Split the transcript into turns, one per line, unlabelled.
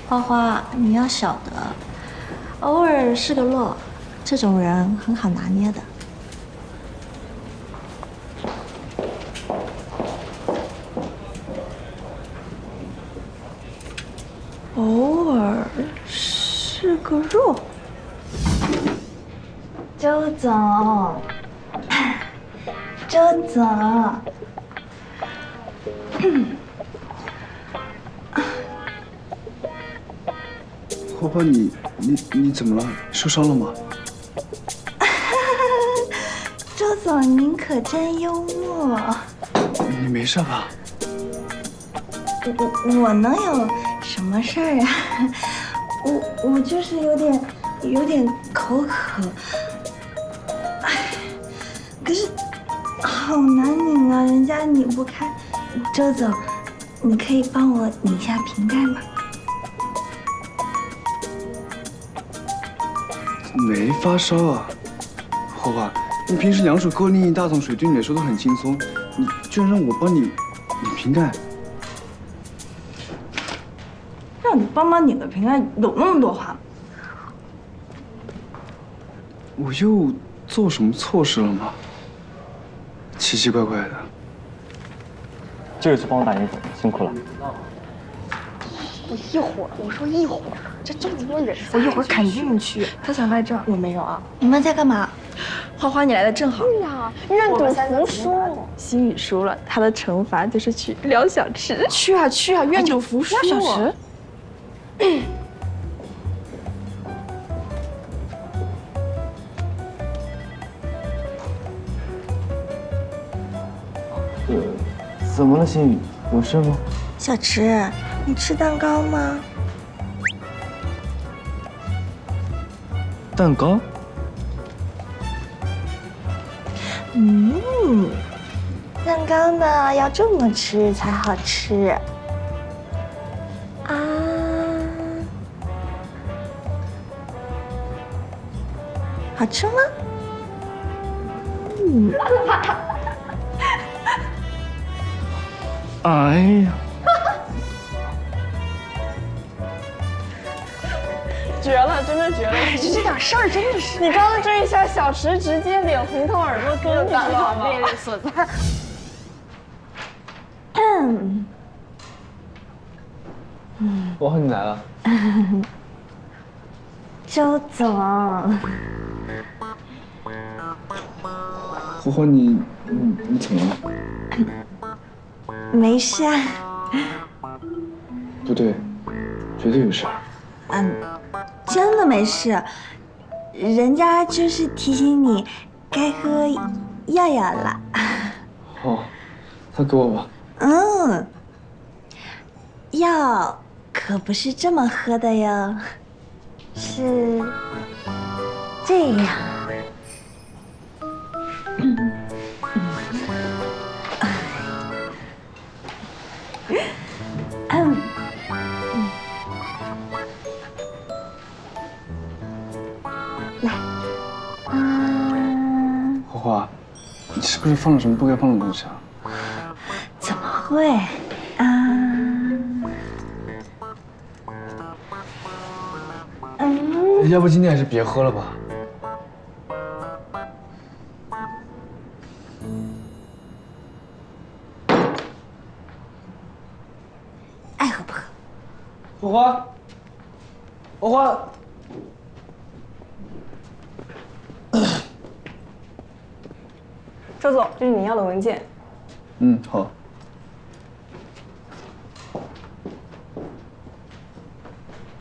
花花，你要晓得，偶尔是个洛，这种人很好拿捏的。偶尔是个弱。周总，周总。
花花，你怎么了？受伤了吗？
周总，您可真幽默。
你没事吧？
我能有什么事儿啊？我就是有点口渴。哎，可是好难拧啊，人家拧不开。周总，你可以帮我拧一下瓶盖吗？
没发烧啊，花花，你平时两手够拎一大桶水，对你来说都很轻松，你居然让我帮你拧瓶盖？
让你帮忙拧个瓶盖，有那么多话吗？
我又做什么错事了吗？奇奇怪怪的。
这就去帮我打印，辛苦了。
我说一会儿，这么多人，
我一会儿肯定去。他想来这儿，我没有啊。
你们在干嘛？
花花，你来的正好。
对呀，愿赌服输。
心雨输了，他的惩罚就是去撩小池。去啊去啊，愿赌服输。
撩小池。
怎么了，心雨？有事吗？
小池，你吃蛋糕吗？
蛋糕？
蛋糕呢要这么吃才好吃。啊，好吃吗？
哎呀！
绝了，真的绝了！
这点事儿真的是。
你刚刚这一下，小池直接脸红透耳朵根，你知道吗？
魅力所在。
花花，你来了。
周总，
花花，你怎么了？
没事啊。
不对，绝对有事。
真的没事，人家就是提醒你该喝药药了。
好，那给我吧。
药可不是这么喝的哟，是这样。来，
花花，你是不是放了什么不该放的东西啊？
怎么会啊？
要不今天还是别喝了吧。
爱喝不喝？
花花，花花。
周总，这是你要的文件。
好。